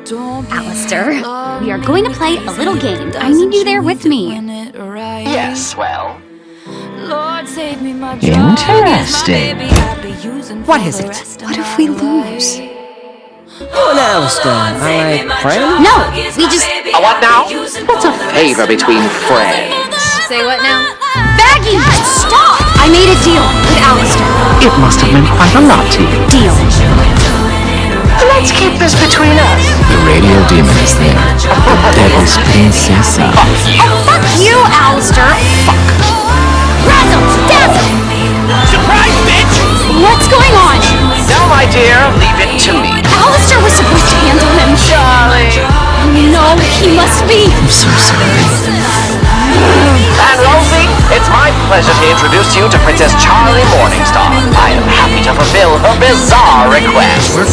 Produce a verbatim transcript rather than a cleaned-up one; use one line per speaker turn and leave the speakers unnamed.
Alistair, we are going to play a little game. I need you there with me.
Yes, well.
Interesting.
What is it?
What if we lose?
Oh, now, Alistair, I friend?
No, we just...
A what now? What's a favor between friends?
Say what now?
Baggy, stop! I made a deal with Alistair.
It must have meant quite a lot to you.
Deal.
Let's keep this between us.
The radio demon is there. The devil's princessa.
Oh, fuck you, Alistair. Fuck. Razzle! Dazzle!
Surprise, bitch!
What's going on?
No, my dear, leave it to me.
Alistair was supposed to handle him.
Charlie.
No, he must be.
I'm so sorry.
And Rosie, it's my pleasure to introduce you to Princess Charlie Morningstar. I am happy to fulfill her bizarre request.
We're